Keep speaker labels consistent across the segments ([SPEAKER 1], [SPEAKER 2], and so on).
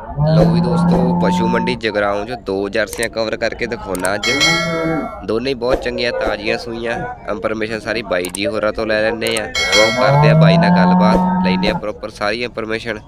[SPEAKER 1] लो भी दोस्तों पशु मंडी जगराऊं जो दो जर्सियां कवर करके दिखाना अज दोनों ही बहुत चंगियां ताजियां सूइयां इंफॉर्मेशन सारी बाई जी होरां तो लै लैने आ तो करते बाई नाल गलबात लैने प्रॉपर सारी इंफॉर्मेशन।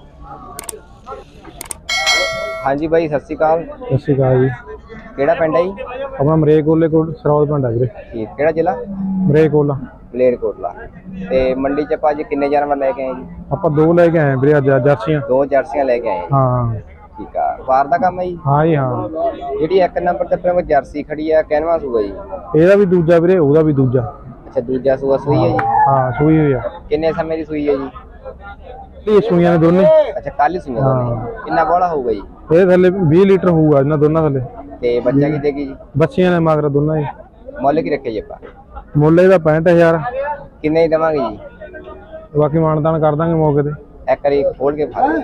[SPEAKER 1] हाँ जी भाई सत श्री अकाल।
[SPEAKER 2] सत श्री अकाल जी।
[SPEAKER 1] ਕਿਹੜਾ ਪਿੰਡ ਹੈ ਜੀ?
[SPEAKER 2] अपना मरेकोले कोट सरौल पिंड है वीरे।
[SPEAKER 1] ਠੀਕ ਕਿਹੜਾ ਜ਼ਿਲ੍ਹਾ?
[SPEAKER 2] मरेकोला
[SPEAKER 1] ਮਲੇਰਕੋਟਲਾ। ਤੇ ਮੰਡੀ ਚ ਆਪਾਂ ਅੱਜ ਕਿੰਨੇ ਜਾਨਵਰ ਲੈ ਕੇ ਆਏ ਜੀ?
[SPEAKER 2] ਆਪਾਂ दो लेके आए वीरे अज जर्सियां।
[SPEAKER 1] ਦੋ ਜਰਸੀਆਂ ਲੈ ਕੇ ਆਏ।
[SPEAKER 2] हाँ
[SPEAKER 1] ਠੀਕ ਆ ਵਾਰ ਦਾ ਕੰਮ ਹੈ ਜੀ?
[SPEAKER 2] हाँ जी हाँ।
[SPEAKER 1] ਜਿਹੜੀ ਇੱਕ ਨੰਬਰ ਤੇ ਆਪਣੇ ਕੋਲ ਜਰਸੀ ਖੜੀ ਆ ਕਹਿਨਵਾ ਸੂਆ ਜੀ?
[SPEAKER 2] ਇਹਦਾ ਵੀ ਦੂਜਾ ਵੀਰੇ ਉਹਦਾ ਵੀ ਦੂਜਾ।
[SPEAKER 1] ਅੱਛਾ ਦੂਜਾ ਸੂਆ ਸੂਈ ਹੈ ਜੀ?
[SPEAKER 2] ਹਾਂ ਸੂਈ ਹੋਈ ਆ।
[SPEAKER 1] ਕਿੰਨੇ ਸਮੇਂ ਦੀ ਸੂਈ ਹੈ ਜੀ?
[SPEAKER 2] ਇਹ ਸੂਈਆਂ ਨੇ ਦੋਨੇ।
[SPEAKER 1] ਅੱਛਾ ਕੱਲ ਹੀ ਸੂਈਆਂ ਦੋਨੇ। ਕਿੰਨਾ ਬੋਲਾ ਹੋਊਗਾ ਜੀ?
[SPEAKER 2] ਇਹ ਥੱਲੇ 20 ਲੀਟਰ ਹੋਊਗਾ ਇਹਨਾਂ ਦੋਨਾਂ ਥੱਲੇ।
[SPEAKER 1] ਤੇ ਬੱਚਾ ਕੀ ਦੇਗੀ ਜੀ?
[SPEAKER 2] ਬੱਚੀਆਂ ਨੇ ਮਗਰ ਦੋਨਾਂ ਹੀ।
[SPEAKER 1] ਮੁੱਲ ਕੀ ਰੱਖਿਆ ਜੀ ਆਪਾਂ?
[SPEAKER 2] ਮੁੱਲ ਇਹਦਾ 65000।
[SPEAKER 1] ਕਿੰਨੇ ਹੀ ਦੇਵਾਂਗੇ ਜੀ?
[SPEAKER 2] ਬਾਕੀ ਮਾਨਦਾਨ ਕਰ ਦਾਂਗੇ ਮੌਕੇ ਤੇ।
[SPEAKER 1] ਇੱਕ ਵਾਰੀ ਖੋਲ ਕੇ ਫੜ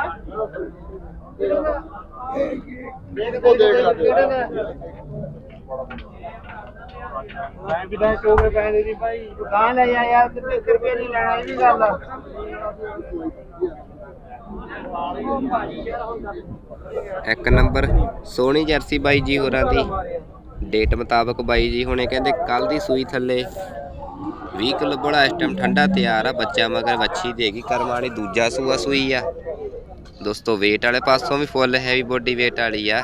[SPEAKER 3] ਮੈਂ ਵੀ ਤਾਂ ਚੋਗੇ ਪੈਸੇ ਦੀ ਭਾਈ ਦੁਕਾਨ ਲੈ ਜਾ ਯਾਰ ਕਿਤੇ ਰੁਪਏ ਨਹੀਂ ਲੈਣਾ ਇਹ ਵੀ ਗੱਲ ਆ।
[SPEAKER 1] ਇੱਕ ਨੰਬਰ ਸੋਹਣੀ ਜਰਸੀ ਬਾਈ ਜੀ ਹੋਰਾਂ ਦੀ ਡੇਟ ਮੁਤਾਬਕ ਬਾਈ ਜੀ ਹੁਣੇ ਕਹਿੰਦੇ ਕੱਲ ਦੀ ਸੂਈ ਥੱਲੇ 20 ਕਿਲੋ ਬੜਾ ਇਸ ਟਾਈਮ ਠੰਡਾ ਤਿਆਰ ਆ ਬੱਚਾ ਮਗਰ ਵੱਛੀ ਦੇਗੀ ਕਰਮ ਵਾਲੀ ਦੂਜਾ ਸੂਆ ਸੂਈ ਆ ਦੋਸਤੋ। ਵੇਟ ਵਾਲੇ ਪਾਸੋਂ ਵੀ ਫੁੱਲ ਹੈਵੀ ਬੋਡੀ ਵੇਟ ਵਾਲੀ ਆ।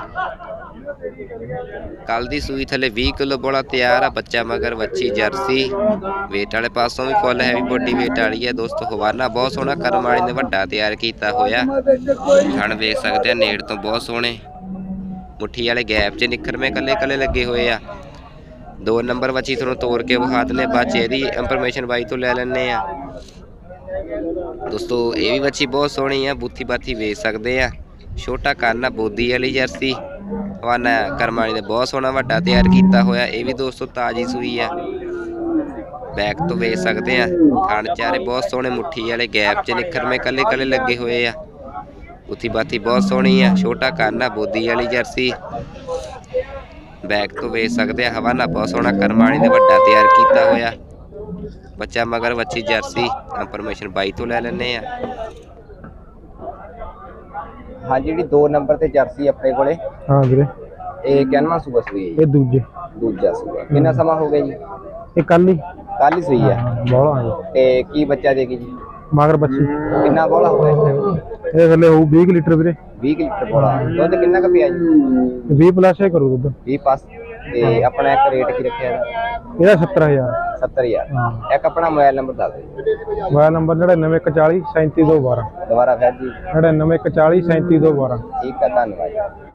[SPEAKER 1] ਕੱਲ ਦੀ ਸੂਈ ਥੱਲੇ 20 ਕਿਲੋ ਬੜਾ ਤਿਆਰ ਆ ਬੱਚਾ ਮਗਰ ਵੱਛੀ ਜਰਸੀ ਵੇਟ ਵਾਲੇ ਪਾਸੋਂ ਵੀ ਫੁੱਲ ਹੈਵੀ ਬੋਡੀ ਵੇਟ ਵਾਲੀ ਆ ਦੋਸਤੋ। ਹਵਾਨਾ ਬਹੁਤ ਸੋਹਣਾ ਕਰਮ ਵਾਲੀ ਨੇ ਵੱਡਾ ਤਿਆਰ ਕੀਤਾ ਹੋਇਆ। ਥਣ ਵੇਖ ਸਕਦੇ ਆ ਨੇੜ ਤੋਂ ਬਹੁਤ ਸੋਹਣੇ ਮੁੱਠੀ ਵਾਲੇ ਗੈਪ 'ਚ ਨਿਖਰਵੇਂ ਕੱਲੇ ਕੱਲੇ ਲੱਗੇ ਹੋਏ ਆ। 2 ਨੰਬਰ ਵੱਛੀ ਤੁਹਾਨੂੰ ਤੋੜ ਕੇ ਵਿਖਾ ਦਿੰਦੇ ਬਾਅਦ 'ਚ ਇਹਦੀ ਇੰਫੋਰਮੇਸ਼ਨ ਬਾਈ ਤੋਂ ਲੈ ਲੈਂਦੇ ਆ ਦੋਸਤੋ। ਇਹ ਵੀ ਵੱਛੀ ਬਹੁਤ ਸੋਹਣੀ ਆ ਬੂਥੀ ਬਾਥੀ ਵੇਚ ਸਕਦੇ ਆ। ਛੋਟਾ ਕੰਨ ਆ ਬੋਦੀ ਵਾਲੀ ਜਰਸੀ ਹਵਾਨਾ ਕਰਮ ਵਾਲੀ ਨੇ ਬਹੁਤ ਸੋਹਣਾ ਵੱਡਾ ਤਿਆਰ ਕੀਤਾ ਹੋਇਆ। ਇਹ ਵੀ ਦੋਸਤੋ ਤਾਜ਼ੀ ਸੂਈ ਆ ਬੈਕ ਤੋਂ ਵੇਚ ਸਕਦੇ ਆ। ਥਣ ਚਾਰੇ ਬਹੁਤ ਸੋਹਣੇ ਮੁੱਠੀ ਵਾਲੇ ਗੈਪ 'ਚ ਨਿਖਰਵੇਂ ਕੱਲੇ ਕੱਲੇ ਲੱਗੇ ਹੋਏ ਆ। ਬੂਥੀ ਬਾਥੀ ਬਹੁਤ ਸੋਹਣੀ ਆ। ਛੋਟਾ ਕੰਨ ਆ ਬੋਦੀ ਵਾਲੀ ਜਰਸੀ ਬੈਕ ਤੋਂ ਵੇਚ ਸਕਦੇ ਆ। ਹਵਾਨਾ ਬਹੁਤ ਸੋਹਣਾ ਕਰਮ ਵਾਲੀ ਨੇ ਵੱਡਾ ਤਿਆਰ ਕੀਤਾ ਹੋਇਆ ਬੱਚਾ ਮਗਰ ਵੱਛੀ ਜਰਸੀ ਇੰਫੋਰਮੇਸ਼ਨ ਬਾਈ ਤੋਂ ਲੈ ਲੈਂਦੇ ਆ। ਹਾਂ ਜਿਹੜੀ 2 ਨੰਬਰ ਤੇ ਜਰਸੀ ਆਪਣੇ ਕੋਲੇ
[SPEAKER 2] ਹਾਂ ਵੀਰੇ
[SPEAKER 1] ਇਹ ਕਿੰਨਾ ਸੂਆ ਸੂਈ ਹੈ?
[SPEAKER 2] ਇਹ ਦੂਜੇ
[SPEAKER 1] ਦੂਜਾ ਸੂਆ। ਕਿੰਨਾ ਸਮਾਂ ਹੋ ਗਿਆ ਜੀ?
[SPEAKER 2] ਇਹ ਕੱਲ ਹੀ
[SPEAKER 1] ਕੱਲ ਹੀ ਸੂਈ ਆ।
[SPEAKER 2] ਬੋਲਾ ਜੀ।
[SPEAKER 1] ਤੇ ਕੀ ਬੱਚਾ ਦੇਗੀ ਜੀ?
[SPEAKER 2] ਮਗਰ ਬੱਚੀ।
[SPEAKER 1] ਕਿੰਨਾ ਬੋਲਾ ਹੋਇਆ ਇਸ ਟਾਈਮ?
[SPEAKER 2] ਇਹ ਥੱਲੇ ਹੋਊ 20 ਲੀਟਰ ਵੀਰੇ।
[SPEAKER 1] 20 ਲੀਟਰ ਬੋਲਾ। ਦੁੱਧ ਕਿੰਨਾ ਕੁ ਪਿਆ ਜੀ?
[SPEAKER 2] 20 ਪਲੱਸ ਹੀ ਕਰੂ ਦੁੱਧ।
[SPEAKER 1] 20 ਪਾਸ। ਤੇ ਆਪਣਾ ਇੱਕ ਰੇਟ ਕੀ ਰੱਖਿਆ
[SPEAKER 2] ਇਹਦਾ 70000।
[SPEAKER 1] 70000।
[SPEAKER 2] ਹਾਂ
[SPEAKER 1] ਇੱਕ ਆਪਣਾ ਮੋਬਾਈਲ ਨੰਬਰ ਦੱਸ ਦਿਓ।
[SPEAKER 2] Mobile number 9914 37212।
[SPEAKER 1] ਦੁਬਾਰਾ ਫਿਰ ਜੀ।
[SPEAKER 2] 9914 37212।
[SPEAKER 1] ਠੀਕ ਹੈ ਧੰਨਵਾਦ।